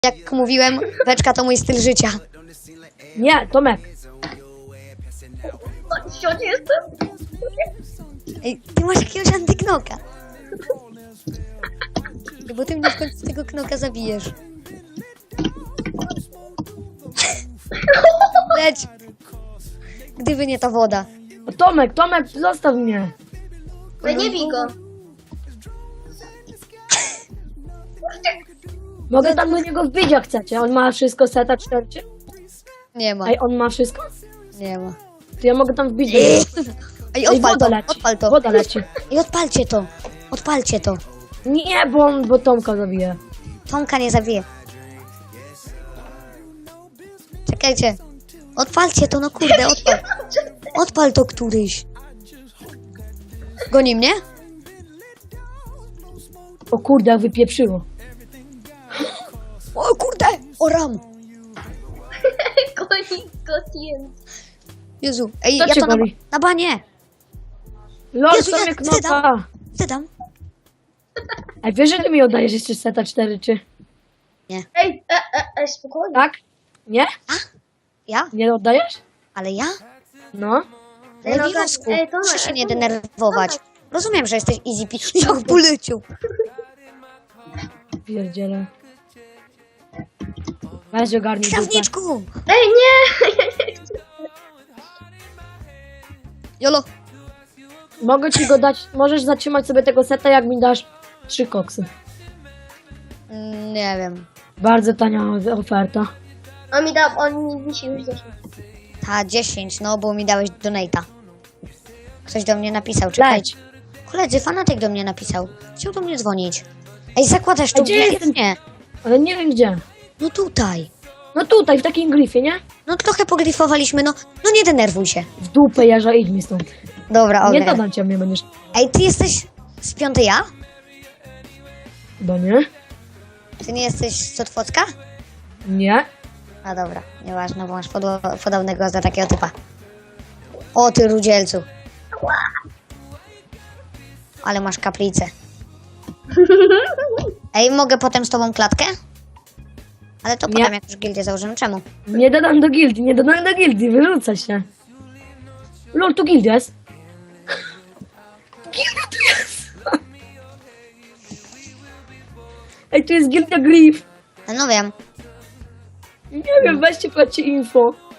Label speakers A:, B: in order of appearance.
A: Jak mówiłem, beczka to mój styl życia.
B: Nie, Tomek.
C: Ciocie jestem?
A: Ej, ty masz jakiegoś antyknoka. Bo ty mnie w końcu z tego knoka zabijesz. Leć! Gdyby nie ta woda.
B: O, Tomek, zostaw mnie.
C: Ale nie bij go.
B: Mogę tam do niego wbić jak chcecie. On ma wszystko seta 4.
A: Nie ma.
B: Ej, on ma wszystko?
A: Nie ma.
B: To ja mogę tam wbić do niego.
A: Ej, odpal
B: woda
A: to,
B: leci.
A: odpal to.
B: Woda leci.
A: Ej, odpalcie to. Odpalcie to.
B: Nie, bo Tomka zabije.
A: Tomka nie zabije. Czekajcie. Odpalcie to, no kurde, odpal. Odpal to któryś. Goni mnie?
B: O kurde, jak wypieprzyło.
A: O kurde! O ram!
C: Gotien.
A: Jezu, ej,
B: Co
A: ja
B: cię
A: to
B: goli?
A: na banie!
B: Lol,
A: Jezu,
B: Tomek,
A: ja
B: knopa.
A: Wydam.
B: Ej, wiesz, że ty mi oddajesz jeszcze seta 4, czy?
C: Ej, spokojnie.
B: Tak? Nie?
A: Ja?
B: Nie oddajesz?
A: Ale ja?
B: No.
C: Ej, no
A: Lewinosku,
C: tak, ej, Tomek,
A: proszę się nie
C: Tomek,
A: denerwować. Rozumiem, że jesteś easy Jak poleciał.
B: Pierdziele. Weź ogarnij dupę.
A: Krawniczku!
C: Ej, nie!
A: Jolo.
B: Mogę ci go dać, możesz zatrzymać sobie tego seta, jak mi dasz 3 koksy.
A: Nie wiem.
B: Bardzo tania oferta.
C: On mi się już zeszł.
A: Ta 10, no bo mi dałeś donate'a. Ktoś do mnie napisał, czekajcie. Koledzy, fanatyk do mnie napisał. Chciał do mnie dzwonić. Ej, zakładasz tu
B: gdzie
A: bilet?
B: jestem?
A: Nie.
B: Ale nie wiem gdzie.
A: No tutaj.
B: No tutaj, w takim grifie, nie?
A: No trochę pogrifowaliśmy, no nie denerwuj się.
B: W dupę jeża, idź mi stąd.
A: Dobra,
B: Nie
A: okej.
B: dodam cię, mnie będziesz...
A: Ej, ty jesteś z 5 ja?
B: Chyba nie?
A: Ty nie jesteś z Cotwocka?
B: Nie?
A: A dobra, nieważne, bo masz podobnego za takiego typa. O ty rudzielcu. Ale masz kaplicę. Ej, mogę potem z tobą klatkę? Ale to
B: Nie.
A: potem jak już gildię założymy. Czemu?
B: Nie dodam do gildii, nie dodam do gildii, wyrzucę się. Lol, tu gildia jest. Gildia tu jest! Ej, tu jest gildia Grif.
A: No wiem.
B: Nie wiem, weźcie, patrzcie info.